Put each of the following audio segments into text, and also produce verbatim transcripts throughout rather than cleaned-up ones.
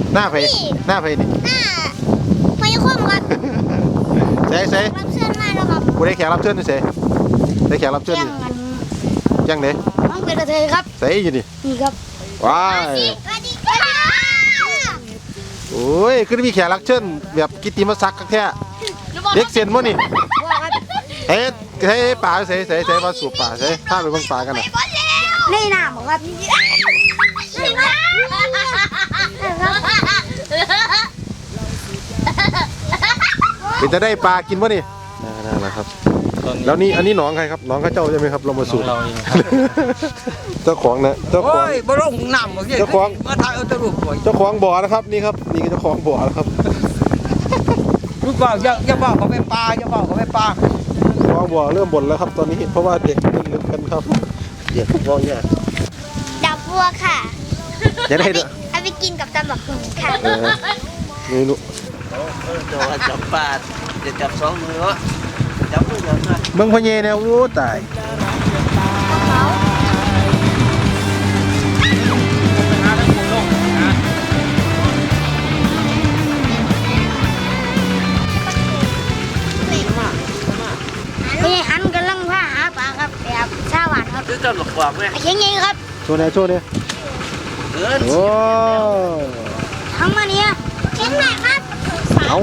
หน้าเพยหน้าเพยนี่หน้าพยาคมครับเซ่เซ่รับเชิญมาแล้วครับกูได้แขกรับเชิญนี่เซ่ได้แขกรับเชิญนี่ยังเด้น้องเป็นกระเทยครับเซ่อยู่นี่นี่ครับว้ายสวัสดีค่ะโอ้ยคือมีแขกรับเชิญแบบกิตติมศักดิ์แท้เด็กเซียนมั้งนี่เฮ้ยเฮ้ยป่าเซ่เซ่เซ่มาสูบป่าเซ่พาไปเบิ่งป่ากันนะนี่น้ำครับเป็นจะได้ปลากินมั้งนี่นั่นแหละครับแล้วนี่อันนี้หนองใครครับหนองข้าเจ้าใช่ไหมครับเรามาสูบเจ้าของนะเจ้าของบ่ลงน้ำเจ้าของมาถ่ายเอาตะลุกบ่เจ้าของบ่อนะครับนี่ครับนี่เจ้าของบ่อนะครับลูกบ่าวอย่าอย่าบอกเขาไม่ปลาอย่าบอกเขาไม่ปลาเจ้าของบ่อเริ่มบ่นแล้วครับตอนนี้เพราะว่าเด็กเล่นกันครับเด็กมองเนี่ยดับบัวค่ะจะได้ด้วยเอาไปกินกับตำบักหุ่งค่ะเมนูจะจับปลาจะจับสองมือวะจับมือเดียวนะเมืองพะเยเนี่ยโอ้ตายนี่อันกำลังว่าหาปลาครับแบบชาหวานครับซื้อตำหลกกว่าไหมเชียงยิงครับโชว์เนี่ยโชว์เนี่ยโอ้ทั้งมาเนี่ยเชียงใหม่ครับเอา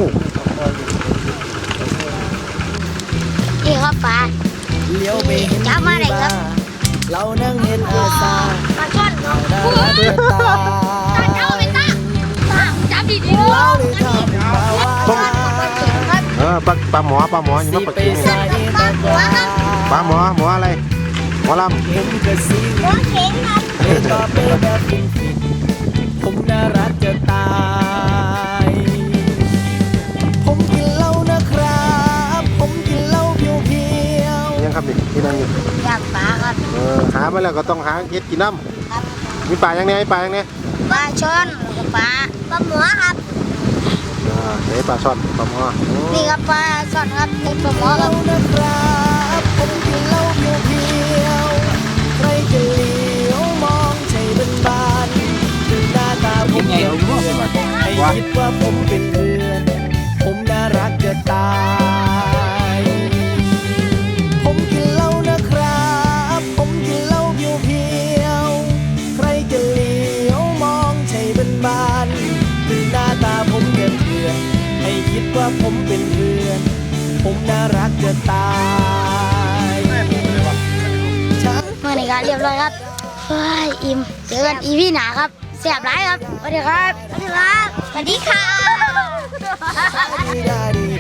นี่ครับปลาเลี้ยวไปจับมาเลยครับเรานั่งเห็นอาซาปลาช่อนครับปลาเจ้าเป็นตาจับดีดีเราเลยทำปลาว่าเออปลาปลาหมอปลาหมอยังไม่ปลากินปลาหัวครับปลาหมอหมออะไรหมอลำเห็นกระซิบหัวเข็งครับเป็นก็เป็นแบบผมน่ารักจะตายผมกินเหล้านะครับผมกินเหล้าเพียวเพียวยังครับนี่ที่นั่งอยู่อยากปลาครับเออหามาแล้วก็ต้องหาเฮ็ดกินน้ำมีปลาอย่างนี้ปลาอย่างนี้ปลาช่อนกับปลาปลาหมอครับอ่าเฮ้ยปลาช่อนปลาหมอนี่ครับปลาช่อนครับนี่ปลาหมอครับนะครับผมกินเหล้าเพียวเพียวใครจะเลี้ยวมองใจเป็นบานดูหน้าตาผมเกี่ยวเพื่อนให้คิดว่าผมเป็นเพื่อนผมน่ารักจะตายผมกินเหล้านะครับผมกินเหล้าเพียวเพียวใครจะเลี้ยวมองใจเป็นบานดูหน้าตาผมเป็นเพื่อนให้คิดว่าผมเป็นเพื่อนผมน่ารักจะตายเมื่อไหร่ครับเรียบร้อยครับเฮ้ยอิ่มเจอกันอีพี่หนาครับแซ่บร้ายครับสวัสดีครับสวัสดีครับสวัสดีค่ะ